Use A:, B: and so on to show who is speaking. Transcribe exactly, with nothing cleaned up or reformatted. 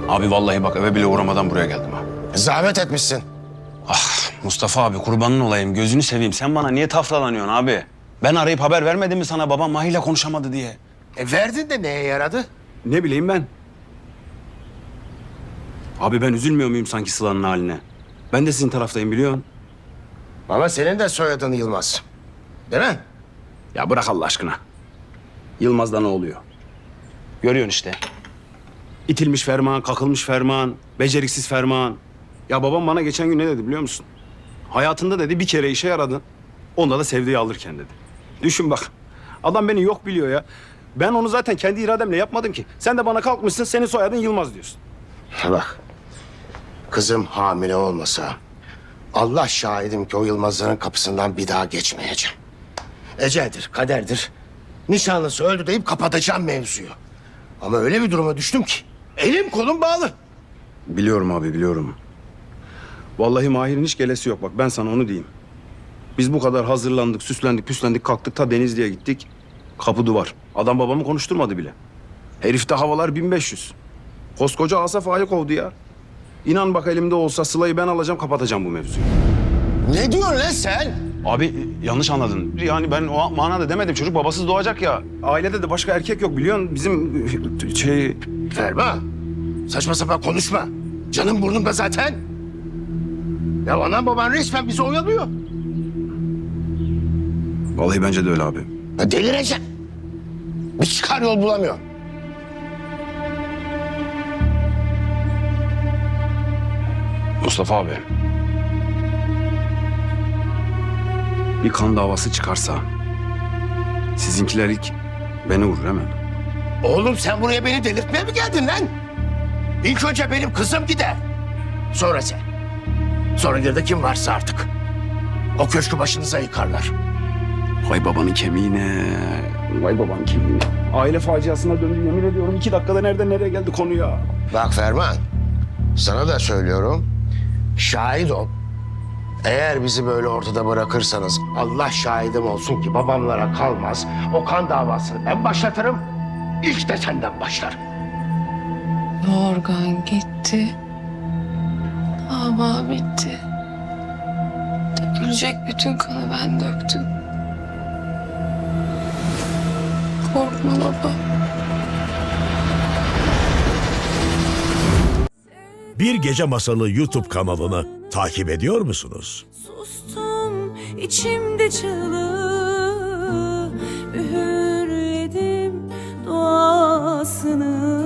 A: Abi vallahi bak eve bile uğramadan buraya geldim ha.
B: Zahmet etmişsin.
A: Ah Mustafa abi kurbanın olayım gözünü seveyim. Sen bana niye tafralanıyorsun abi? Ben arayıp haber vermedim mi sana babam Mahi'yle konuşamadı diye?
B: E verdin de neye yaradı?
A: Ne bileyim ben. Abi ben üzülmüyor muyum sanki Sıla'nın haline? Ben de sizin taraftayım biliyorsun.
B: Ama senin de soyadın Yılmaz. Değil mi?
A: Ya bırak Allah aşkına. Yılmaz'da ne oluyor? Görüyorsun işte. İtilmiş ferman, kakılmış ferman, beceriksiz ferman. Ya babam bana geçen gün ne dedi biliyor musun? Hayatında dedi bir kere işe yaradın. Onda da sevdiği alırken dedi. Düşün bak. Adam beni yok biliyor ya. Ben onu zaten kendi irademle yapmadım ki. Sen de bana kalkmışsın senin soyadın Yılmaz diyorsun.
B: Bak. Kızım hamile olmasa Allah şahidim ki o Yılmazların kapısından bir daha geçmeyeceğim. Eceldir, kaderdir. Nişanlısı öldü deyip kapatacağım mevzuyu. Ama öyle bir duruma düştüm ki elim kolum bağlı.
A: Biliyorum abi biliyorum. Vallahi Mahir'in hiç gelesi yok bak ben sana onu diyeyim. Biz bu kadar hazırlandık, süslendik, püslendik, kalktık ta Denizli'ye gittik. Kapı duvar. Adam babamı konuşturmadı bile. Herifte havalar bin beş yüz. Koskoca Asaf Ağa'yı kovdu ya. İnan bak elimde olsa Sıla'yı ben alacağım kapatacağım bu mevzuyu.
B: Ne diyorsun lan sen?
A: Abi yanlış anladın. Yani ben o manada demedim. Çocuk babasız doğacak ya. Ailede de başka erkek yok biliyorsun. Bizim şey...
B: Ferma, saçma sapan konuşma. Canım burnumda zaten. Ya anam baban resmen bizi oyalıyor.
A: Vallahi bence de öyle abi.
B: Ya delireceğim. Bir çıkar yol bulamıyor.
A: Mustafa abi. Bir kan davası çıkarsa... sizinkiler ilk beni vurur hemen.
B: Oğlum sen buraya beni delirtmeye mi geldin lan? İlk önce benim kızım gider. Sonra sen. Sonra geride kim varsa artık. O köşkü başınıza yıkarlar.
A: Vay babanın kemiğine. Vay babanın kemiğine. Aile faciasına döndü yemin ediyorum. iki dakikada nereden nereye geldi konu ya.
B: Bak Ferman, sana da söylüyorum. Şahit ol. Eğer bizi böyle ortada bırakırsanız Allah şahidim olsun ki babamlara kalmaz. O kan davasını ben başlatırım. İlk de senden başlar.
C: Yorgan gitti. Dava bitti. Dökülecek bütün kanı ben döktüm. Korkma baba.
D: Bir Gece Masalı YouTube kanalını takip ediyor musunuz?
E: Sustum içimde çığlığı, üğürledim duasını.